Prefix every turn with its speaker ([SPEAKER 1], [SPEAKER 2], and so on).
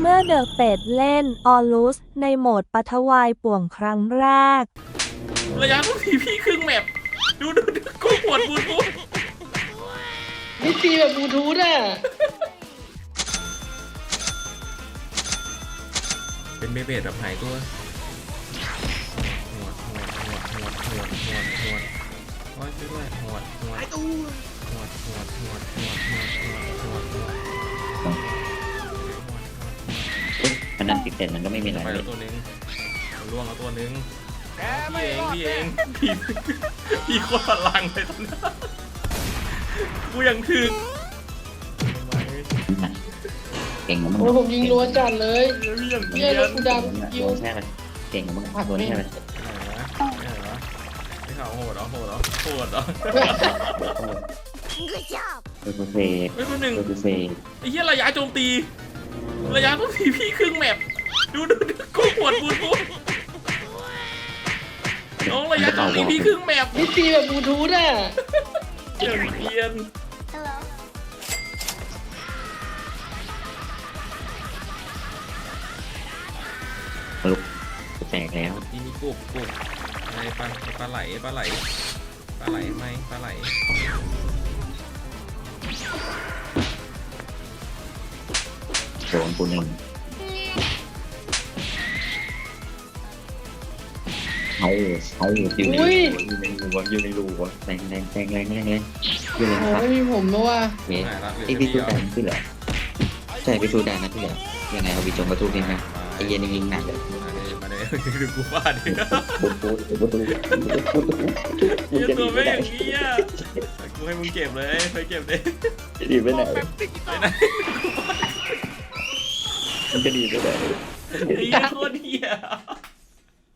[SPEAKER 1] มื่อเดอะเป็ดเล่นออลุสในโหมดปฐวายป่วงครั้งแรก
[SPEAKER 2] ระยะทุกทีพี่ครึ่งแมปดูกูปวดบูทูธ
[SPEAKER 3] นี่ตีแบบบลูทูธอ่ะ
[SPEAKER 2] เป็นเบเบดแบบหายตัวหวดโอ้ยช่วยด้วยหวด
[SPEAKER 4] มันนั่นติดเด่นมันก็ไม่มีอะไร
[SPEAKER 2] ไป
[SPEAKER 4] เล
[SPEAKER 2] แล้
[SPEAKER 4] ยว
[SPEAKER 2] ตัวนึงล่วงแล้วตัวนึงพี่เองพี่โคตรพลังเลยตอนนี้กูยังถึง
[SPEAKER 4] เก่งของมึง
[SPEAKER 3] โอ้ผมยิงรัวจัดเลย
[SPEAKER 2] พี่ยัง
[SPEAKER 3] เนี่ยรถกูดังคิว
[SPEAKER 4] ใช่ไหมเก่งของมึงภาพตัวนี้ใช่ไหม
[SPEAKER 2] ไม่ข่าวโหดเหรอ
[SPEAKER 4] ตัวเฟย์
[SPEAKER 2] ไม่คนหนึ่ง
[SPEAKER 4] ตัวเฟย์
[SPEAKER 2] ไอ้เหี้ยระยะโจมตีระยะทุกทีพี่ครึ่งแมปดูกูปวดบูทูธน้องระยะโจมตีพี่ครึ่งแมป
[SPEAKER 3] นี่ตีแบบบลูทูธอ่ะ
[SPEAKER 2] เกียน
[SPEAKER 4] ลุกแตกแล้ว
[SPEAKER 2] นี่มีกุบอะไรปลาไหลไหมปลาไหล
[SPEAKER 4] โดนกูหนึ่งเอาอยู่ในรูแรงอยู่ใน
[SPEAKER 3] โอ้
[SPEAKER 4] ครับ
[SPEAKER 3] ไม่มีผมนะว่ะ
[SPEAKER 4] เว้ยไอพี่สูดานขึ้นเหรอใช่พี่สูดานนะพี่เหรอยังไงเอาวิจงกระทุกนี่ไหมไอเย็นยิงหนักเลย
[SPEAKER 2] มาเลยดูกูฟาดดิ
[SPEAKER 4] ประตู
[SPEAKER 2] ยังตัวไม่อย่างนี้อ่ะกูให้มึงเก็บเลยไปเก็บเลย
[SPEAKER 4] จะดีไปไหน
[SPEAKER 2] ไปไหน
[SPEAKER 4] มันจะดีไปไหน
[SPEAKER 2] ไอ้เหี้ยโคตรเหี้ย